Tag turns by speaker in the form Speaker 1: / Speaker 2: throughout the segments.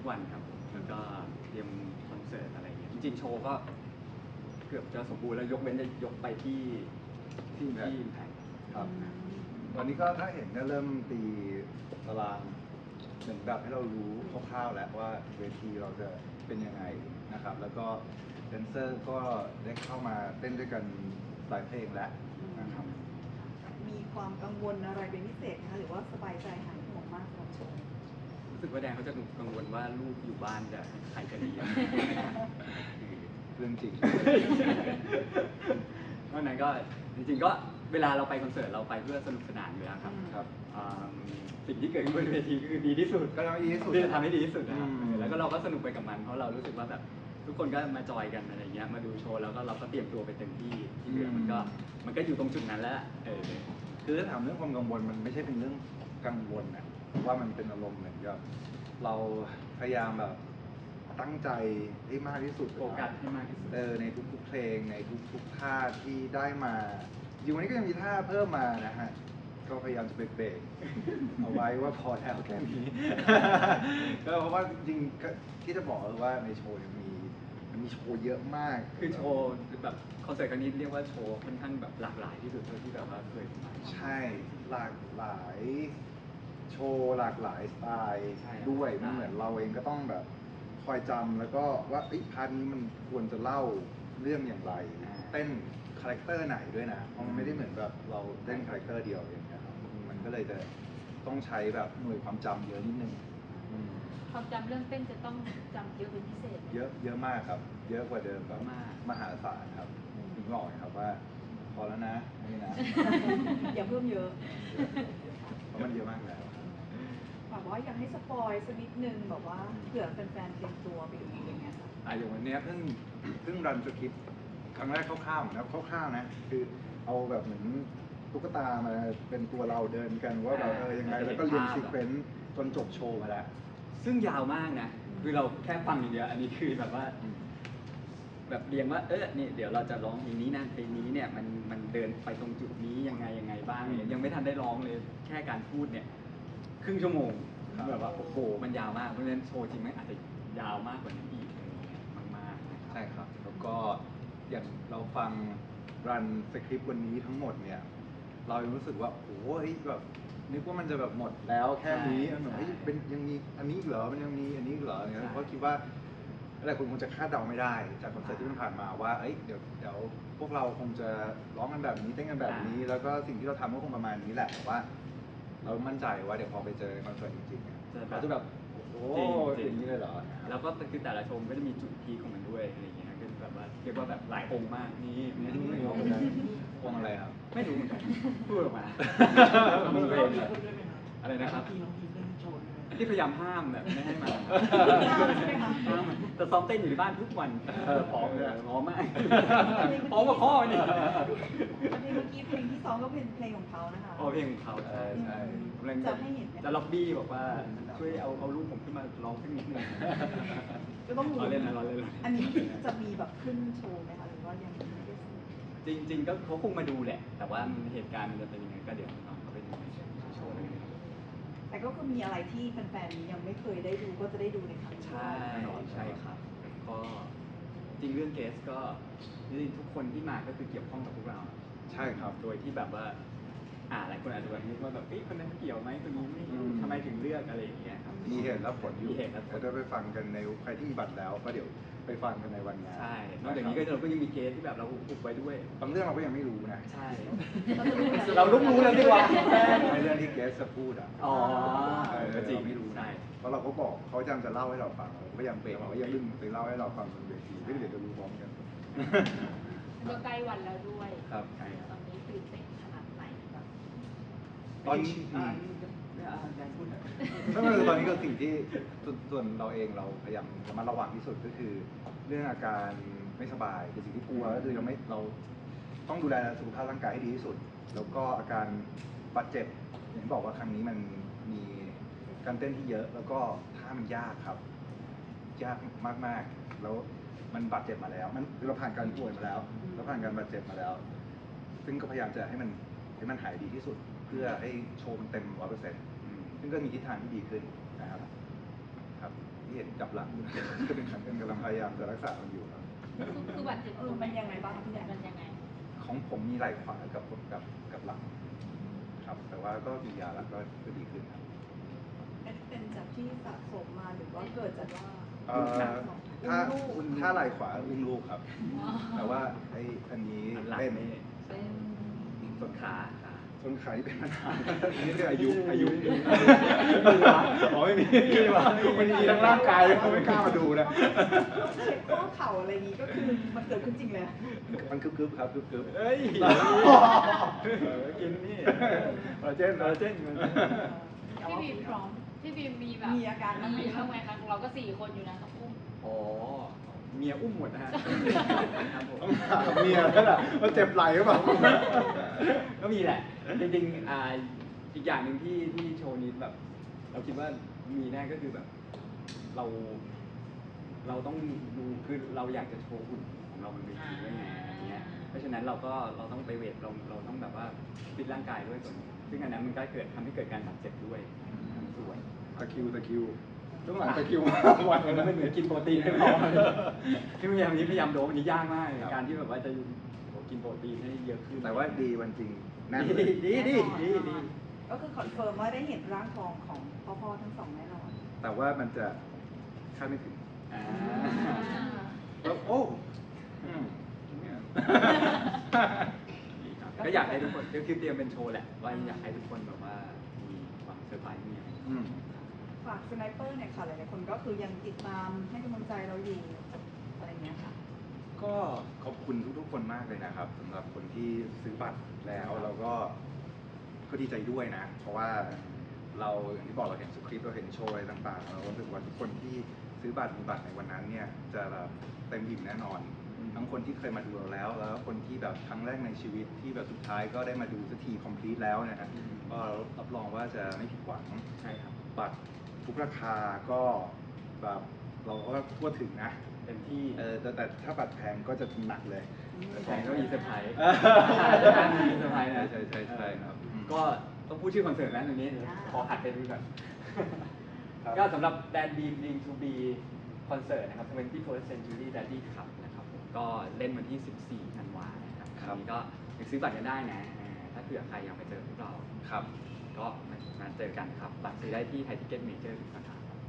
Speaker 1: วันครับแล้วก็เตรียมคอนเสิร์ตอะไรอย่างเงี้ยจริงๆโชว์ก็เกือบจะสมบูรณ์แล้วยกเว้นจะยกไปที่แพง
Speaker 2: ครับตอนนี้ก็ถ้าเห็นก็เริ่มตีตารางเหมือนแบบให้เรารู้คร่าวๆแล้วว่าเวทีเราจะเป็นยังไงนะครับ แล้วก็แดนเซอร์ก็ได้เข้ามาเต้นด้วยกันหลายเพลงแล้วนะครับ
Speaker 3: มีความกังวลอะไรเป็นพิเศษนะคะหรือว่าสบายใจหายห่วงมากสำหรับโชว์
Speaker 1: รู้สึกว่าแดงเขาจะกังวลว่าลูกอยู่บ้านจะใครจะเลี้ยง
Speaker 2: เรื่องจริง
Speaker 1: เพราะนั้นก็จริงๆก็เวลาเราไปคอนเสิร์ตเราไปเพื่อสนุกสนานอยู่แล้วครับ
Speaker 2: ครับ
Speaker 1: สิ่งที่เกิดขึ้นบนเวทีก็คือดีที่สุด
Speaker 2: ก็ทำให้ดีที่สุด
Speaker 1: ที่จะทำให้ดีที่สุดนะครับ
Speaker 2: อืม
Speaker 1: แล้วก็เราก็สนุกไปกับมันเพราะเรารู้สึกว่าแบบทุกคนก็มาจอยกันอะไรเงี้ยมาดูโชว์แล้วก็เราก็เตรียมตัวไปเต็มที่ที่เหลือมันก็อยู่ตรงจุดนั้นแล้ว
Speaker 2: คือถ้าถามเรื่องความกังวลมันไม่ใช่เป็นเรื่องกังวลนะว่ามันเป็นอารมณ์เหมือนกับเราพยายามแบบตั้งใจให้มากที่สุด
Speaker 1: โฟกัสให้มากที่สุด
Speaker 2: ในทุกๆเพลงในทุกๆท่าที่ได้มาอยู่วันนี้ก็ยังมีท่าเพิ่มมานะฮะก็พยายามจะเบรกเอาไว้ว่าพอแล้วแค่นี้ ก็เพราะว่าจริงๆที่จะบอกว่าในโชว์มันมีโชว์เยอะมาก
Speaker 1: คือโชว์แบบคอนเสิร์ตครั้งนี้เรียกว่าโชว์ค่อนข้างแบบหลากหลายที่สุดเท่าที่แบบว่าเคยมา
Speaker 2: ใช่หลากหลายโชว์หลากหลายสไตล์
Speaker 1: ใช่
Speaker 2: ด้วยมันเหมือนเราเองก็ต้องแบบคอยจำแล้วก็ว่าพาร์ทนี้มันควรจะเล่าเรื่องอย่างไรเต้นคาแรคเตอร์ไหนด้วยนะเพราะมันไม่ได้เหมือนแบบเราเต้นคาแรคเตอร์เดียวอย่างเงี้ยครับมันก็เลยจะต้องใช้แบบหน่วยความจำเยอะนิดนึง
Speaker 4: ความจำเรื่องเต้นจะต้องจำเยอะเป็นพิเศษไหม
Speaker 2: เยอะมากครับ เยอะกว่าเดิมแบบ
Speaker 1: มาก
Speaker 2: มหาศาลครับถึงบอกครับว่าพอแล้วนะนี่นะ
Speaker 3: อย่าเพิ่มเยอะ
Speaker 2: เพราะมันเยอะมากแล้ว
Speaker 3: แบบว่าอยากให้สปอยสักนิดนึงแบบว่าเผื่อแฟนๆเตรียมตัวไปดูอย่างเงี้ยค่ะ
Speaker 2: อย่างวันเนี้ยเพิ่งรันสคริปต์ครั้งแรกคร่าวๆนะคร่าวๆนะคือเอาแบบเหมือนตุ๊กตามาเป็นตัวเราเดินกันว่าแบบยังไงแล้วก็เรียนซีเควนซ์จนจบโชว์มาแล้ว
Speaker 1: ซึ่งยาวมากนะคือเราแค่ฟังอย่างเดียวอันนี้คือแบบว่า แบบเรียงว่านี่เดี๋ยวเราจะร้องเพลงนี้นะเพลงนี้เนี่ยมันเดินไปตรงจุดนี้ยังไงบ้างเนี่ยยังไม่ทันได้ร้องเลยแค่การพูดเนี่ยครึ่งชั่วโมงแบบว่าโอ้โหมันยาวมากเพราะฉะนั้นโชว์จริงไหมอาจจะยาวมากกว่านี้อีกมากๆ
Speaker 2: ใช่ครับแล้วก็อย่างเราฟังรันสคริปต์วันนี้ทั้งหมดเนี่ยเรารู้สึกว่าโอ้ยแบบนึกว่ามันจะแบบหมดแล้วแค่นี้มันแบบเป็นยังมีอันนี้เหรอมันยังมีอันนี้เหรอเนี่ยเพราะคิดว่าหลายคนคงจะคาดเดาไม่ได้จากคอนเสิร์ตที่มันผ่านมาว่าเดี๋ยวพวกเราคงจะร้องกันแบบนี้เต้นกันแบบนี้ แล้วก็สิ่งที่เราทำก็คงประมาณนี้แหละแต่ว่า เรามั่นใจว่าเดี๋ยวพอไปเจอคอนเสิร์ตจริงๆเนี่ยเขาจะแบบโอ้อย่างนี้เลยเหรอ
Speaker 1: แล้วก็คือแต่ละชมก็จะมีจุดพีคของมันด้วยอะไรอย่างเงี้ยคือแบบว่าเรียกว่าแบบหลายองค์มากนี่ไม่รู้เหมือนกัน
Speaker 2: วงอะไรครับ
Speaker 1: ไม่รู้เหมือนกันพูดออกมามึงเองอะไรนะครับที่พยายามห้ามแบบไม่ให้มาแต่ซ้อมเต้นอยู่ที่บ้านทุกวันพร้อมเลยพร้อมมากพร้อมกับพ่อนี่
Speaker 3: เพลงเมื่อกี้เพลงที่สองก็เป็นเพลงของเขานะคะ
Speaker 1: เพลงของเขาใช่กำลังจะล็อบบี้บอกว่าช่วยเอาลูกผมขึ้นมาร้องสักนิดนึง
Speaker 3: ก็ต้องดู
Speaker 1: เราเล่นนะเราเล่น
Speaker 3: อันนี้จะมีแบบขึ้นโชว์ไหมคะหรือว่ายังไม่ได้สรุป
Speaker 1: จริงๆก็เขาคงมาดูแหละ แต่ว่าเหตุการณ์มันจะเป็นยังไงก็เดี๋ยวน้องเขาไปดูในโชว์เลย
Speaker 3: แต่ก็คือมีอะไรที่แฟนๆยังไม่เคยได้ดูก็จะได้ดูในครั้งนี้
Speaker 1: ใช่ใช่ครับก็จริงเรื่องเกสก็จริงทุกคนที่มาก็คือเกี่ยวข้องกับพวกเรา
Speaker 2: ใช่ครับ
Speaker 1: โดยที่แบบว่าหลายคนอาจจะแบบนึกว่าแบบคนนั้นเกี่ยวไหมคนนี้ไม่ทำไมถึงเลือกอะไรอย่างเงี้ยครับ
Speaker 2: มีเหตุและผลอยู่
Speaker 1: มีเหตุและผล
Speaker 2: แล้วจะไปฟังกันในใครที่มีบัตรแล้วก็เดี๋ยวไปฟังกันในวันงาน
Speaker 1: ใช่นอกจากนี้ก็เราก็ยังมีเกสที่แบบเราอุบไว้ด้วย
Speaker 2: บางเรื่องเราก็ยังไม่รู้นะ
Speaker 1: ใช่ เรารู้แล้วดีกว่า
Speaker 2: ในเรื่องที่เกสจะพูด
Speaker 1: อ๋อ
Speaker 2: ก็
Speaker 1: จริง
Speaker 2: ไม่รู้
Speaker 1: ใช่
Speaker 2: นะเพราะเราก็บอกเขาจำจะเล่าให้เราฟังเราก็พยายามเบรกเขาอย่าเพิ่งไปเล่าให้เราฟังบนเวทีเดี๋ยวจะรู้พร้อมกัน
Speaker 4: ก็ใกล้วันแล้วด้วย
Speaker 2: ครับ
Speaker 4: ตอนนี้ตื่นเต้นขนาดไหนแบบ
Speaker 2: ตอนนี้ ถ้ามันตอนนี้ก็สิ่งที่ส่วนเราเองเราพยายามระมัดระวังที่สุดก็คือ เรื่องอาการไม่สบายคือสิ่งที่กลัวก็คือเราต้องดูแลสุขภาพร่างกายให้ดีที่สุด แล้วก็อาการบาดเจ็บอย่างที่บอกว่าครั้งนี้มันมีการเต้นที่เยอะ แล้วก็ท่ามันยากครับ ยากมากๆแล้วมันบาดเจ็บมาแล้วมันคือเราผ่านการป่วยมาแล้วเราผ่านการบาดเจ็บมาแล้ว ซึ่งก็พยายามจะให้มันหายดีที่สุด เพื่อให้โชว์มันเต็ม 100%ซึ่งก็มีทิศทางที่ดีขึ้นนะครับที่เห็นจับหลัง ก็เป็นขันกันกำลังพยายามจะรักษามันอยู่ครับ
Speaker 4: คือบาดเจ็บ
Speaker 3: มันยังไงบ้างพี่แดน
Speaker 4: มันยังไง
Speaker 2: ของผมมีไหล่ขวากับหลังครับแต่ว่าก็กินยาแล้วก็ดีขึ้นครับ
Speaker 3: เป็นจากที่สะสมมาหรือว่าเกิดจากว่า
Speaker 2: เอ่อถ้าไหล่ขวาอุ้มลูกครับ แต่ว่าอันนี้
Speaker 1: หลัง
Speaker 2: เป็น
Speaker 1: นี่
Speaker 4: เป็น
Speaker 1: ต้นขา
Speaker 2: ต้นขาที่เป็นปัญหาอันนี้คืออายุอ๋อไม่มี มันมีทั้งร่างกายเขาไม่กล้ามาดูนะ
Speaker 3: เช็คข้อเข่าอะไรอย่างนี้ก็คือมันเกิดขึ้นจริงเลย
Speaker 2: มันกึบๆครับกึบๆ
Speaker 1: เอ้ยกินนี่
Speaker 2: คอลลาเจน
Speaker 1: คอลลาเจน
Speaker 4: พี่บีพร้อมพี่บีมีแบบ
Speaker 3: มีอาการบ้างไหม
Speaker 4: มีบ้างไหมคะเราก็4 คนอยู่นะต้องอุ้ม
Speaker 1: อ๋อเมียอุ้มหมดนะฮะครับผม
Speaker 2: ต้องถามเมียแล้วล่ะว่าเจ็บไหล่หรือเปล่า
Speaker 1: ก็มีแหละ จริงๆอีกอย่างหนึ่งที่โชว์นี้แบบ เราคิดว่ามีแน่ก็คือแบบ เราต้องดูคือเราอยากจะโชว์หุ่นของเราบนเวทีด้วยไงอะไรเงี้ยเพราะฉะนั้นเราต้องไปเวทเราต้องแบบว่าฟิตร่างกายด้วยส่วนซึ่งอันนั้นมันก็ทำให้เกิดการบาดเจ็บด้วยส่วน
Speaker 2: ตะคริวช่วงหลังตะคริววัน
Speaker 1: มันเหมือนกินโปรตีนไม่พอที่พยายามโดปอันนี้ยากมากการที่แบบว่าจะกินโปรตีนให้เยอะขึ้น
Speaker 2: แต่ว่าดีวันจริงแน่นเลย
Speaker 1: ดี
Speaker 3: ก็คือคอนเฟิร์มว่าได้เห็นร่างทองของพ่อทั้งสองแน่นอน
Speaker 2: แต่ว่ามันจะคาดไม่ถึง
Speaker 1: อ่า
Speaker 2: แล้วโอ้อืมเนี่ย
Speaker 1: ก็อยากให้ทุกคนก็คือเตรียมเป็นโชว์แหละว่าอยากให้ทุกคนแบบว่ามีความเซอร์ไพรส์มีอะไร
Speaker 2: อืม
Speaker 3: ฝากสไนเปอร์เนี่ยค่ะหลายๆคนก็คือยังติดตามให้กำลังใจเราอยู่อะไรเงี้ยค่ะ
Speaker 2: ก็ขอบคุณทุกๆคนมากเลยนะครับสำหรับคนที่ซื้อบัตรแล้วเราก็ดีใจด้วยนะ เพราะว่าเราอย่างที่บอกเราเห็นสคริปต์เราเห็นโชว์อะไรต่างๆเรารู้สึกว่าทุกคนที่ซื้อบัตรมีบัตรในวันนั้นเนี่ยจะแบบเต็มอิ่มแน่นอน ทั้งคนที่เคยมาดูเราแล้วคนที่แบบครั้งแรกในชีวิตที่แบบสุดท้ายก็ได้มาดูสักทีคอมพลีทแล้วนะฮะก็รับรองว่าจะไม่ผิดหวัง
Speaker 1: ใช่ครับ
Speaker 2: บัตรทุกราคาก็แบบเราก็ทั่วถึงนะ
Speaker 1: เต็มที่
Speaker 2: แต่ถ้าบัตรแพงก็จะหนักเลย
Speaker 1: แฟนก็มีเซอร์ไพรส์ มีเซอร์ไพรส์นะ
Speaker 2: ใช่ครับ
Speaker 1: ก็ต้องพูดชื่อคอนเสิร์ตแล้วตรงนี้ขอหัดไปดูก่อนก็สำหรับ Dan Beam Dream to Be คอนเสิร์ตนะครับ 21st Century Daddy Cup นะครับผมก็เล่นวันที่ 14 ธันวาคมนะครับคราวนี้ก็ไปซื้อบัตรกันได้นะถ้าเผื่อใครอยากไปเจอพวกเรา
Speaker 2: ครับ
Speaker 1: ก็มาเจอกันครับบัตรซื้อได้ที่ไทยทิเก็ตเมเจอร์ทุกสาขาครับ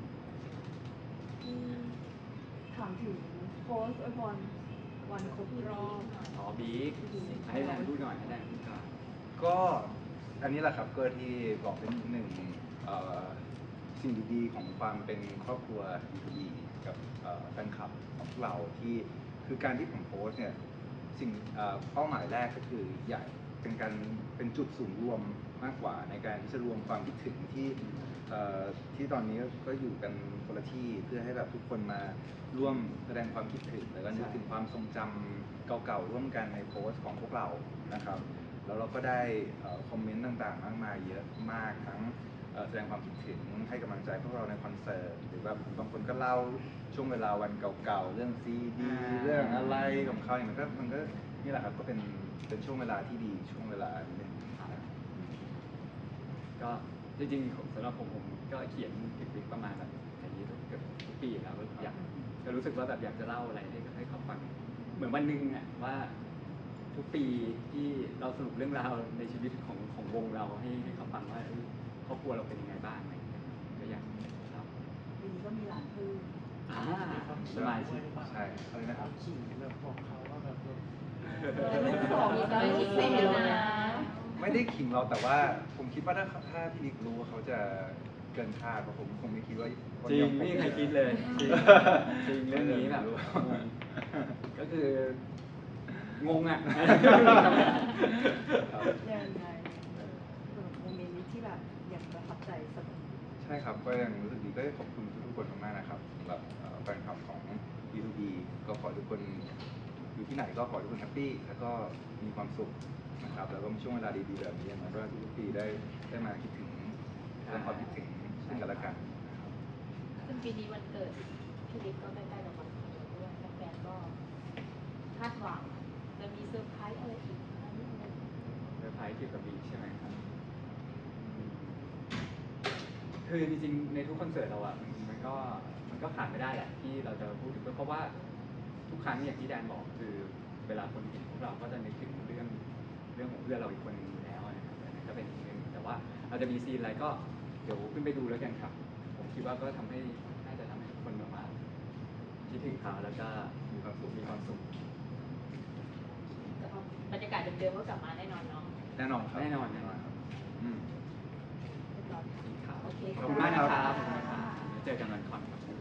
Speaker 3: ถามถึงโพสต์อวยพรวันครบรอบ
Speaker 1: อ๋อบิ๊กให้แดนพูดหน่อยให้แดนพูดก่อน
Speaker 2: ก็อันนี้แหละครับก็ที่บอกเป็นหนึ่งสิ่งดีๆของความเป็นครอบครัวดีๆกับแฟนคลับของพวกเราที่คือการที่ผมโพสต์เนี่ยสิ่งเป้าหมายแรกก็คืออยากเป็นจุดศูนย์รวมมากกว่าในการที่จะรวมความคิดถึงที่ตอนนี้ก็อยู่กันคนละที่เพื่อให้แบบทุกคนมาร่วมแสดงความคิดถึงแล้วก็นึกถึงความทรงจำเก่าๆร่วมกันในโพสต์ของพวกเรานะครับแล้วเราก็ได้คอมเมนต์ต่างๆมากมายเยอะมากทั้งแสดงความคิดถึงให้กำลังใจพวกเราในคอนเสิร์ตหรือแบบบางคนก็เล่าช่วงเวลาวันเก่าๆเรื่องซีดีเรื่องอะไรของเขาอย่างมันก็นี่แหละครับก็เป็นช่วงเวลาที่ดีช่วงเวลาหนึ่ง
Speaker 1: ก็จริงๆสำหรับผมก็เขียนถึงประมาณแบบอย่างนี้เกือบทุกปีแล้วก็รู้สึกว่าแบบอยากจะเล่าอะไรให้เขาฟังเหมือนวันหนึ่งอ่ะว่าทุกปีที่เราสรุปเรื่องราวในชีวิตของวงเราให้เขาฟังว่าครอบครัวเราเป็นยังไงบ้างอะไรอย่างเงี้ยก็อยากเล่า
Speaker 3: ปีนี้ก็มีหลานเพิ่ม
Speaker 1: สมาชิก
Speaker 2: ใช่อะไรนะครับ
Speaker 5: ขิงแบบบอกเขาว่าแบบ
Speaker 3: ลูกสอง
Speaker 4: มี
Speaker 3: แล้วลูกสี่
Speaker 4: แล้ว
Speaker 3: แล้ว
Speaker 4: นะ
Speaker 3: นะ
Speaker 2: ไม่ได้ขิงเราแต่ว่าผมคิดว่าถ้าพี่นิกรู้ว่าเขาจะเกินคาดเพราะผมคงไม่คิดว่า
Speaker 1: จริงไม่มีใครคิดเลยจริงเรื่องนี้แบบงงก็คืองงอ่ะ
Speaker 3: ยังไงโมเมนต์นี้ที่แบบยังประทับใจเสมอ
Speaker 2: ใช่ครับก็ยังรู้สึกดีก็ขอบคุณทุกคนมากๆนะครับสำหรับแฟนคลับของ B2B ก็ขอทุกคนอยู่ที่ไหนก็ขอทุกคนแฮปปี้แล้วก็มีความสุขนะครับแล้วก็มีช่วงเวลาดีๆแบบนี้อย่างน้อยก็ทุกปีได้มาคิดถึงแสดงความคิดถึงซึ่งกันและกันนะครับ
Speaker 4: ซึ่งปีนี้วันเกิดพี่ลิฟก็ใกล้ๆกับวันเกิดด้วยแฟนๆก็คาดหวังจะมีเซอร์ไพรส์อะไรอีกไหมอะไรอย่างเงี้ย
Speaker 1: เซอร์ไพรส์เกี่ยวกับบีใช่ไหมครับคือจริงๆในทุกคอนเสิร์ตเราอ่ะมันก็ก็ขาดไม่ได้แหละที่เราจะพูดถึงเพราะว่าทุกครั้งอย่างที่แดนบอกคือเวลาคนเห็นพวกเราก็จะนึกถึงเรื่องของเพื่อนเราอีกคนหนึงอยู่แล้วนะครับอันนั้นก็เป็นอีกเรื่องหนึ่งแต่ว่าเราจะมีซีนอะไรก็เดี๋ยวขึ้นไปดูแล้วกันครับผมคิดว่าก็น่าจะทำให้ทุกคนแบบว่าคิดถึงเขาแล้วก็มีความสุข
Speaker 4: บรรยากาศเดิมๆก็กลับมาแน่นอนเนาะ
Speaker 2: แน่นอนครับ
Speaker 1: แน่นอน
Speaker 2: ครับ
Speaker 1: อืม
Speaker 4: โอเค
Speaker 1: ขอบคุณมากนะครับขอบคุณมากครับเจอกันวันคอน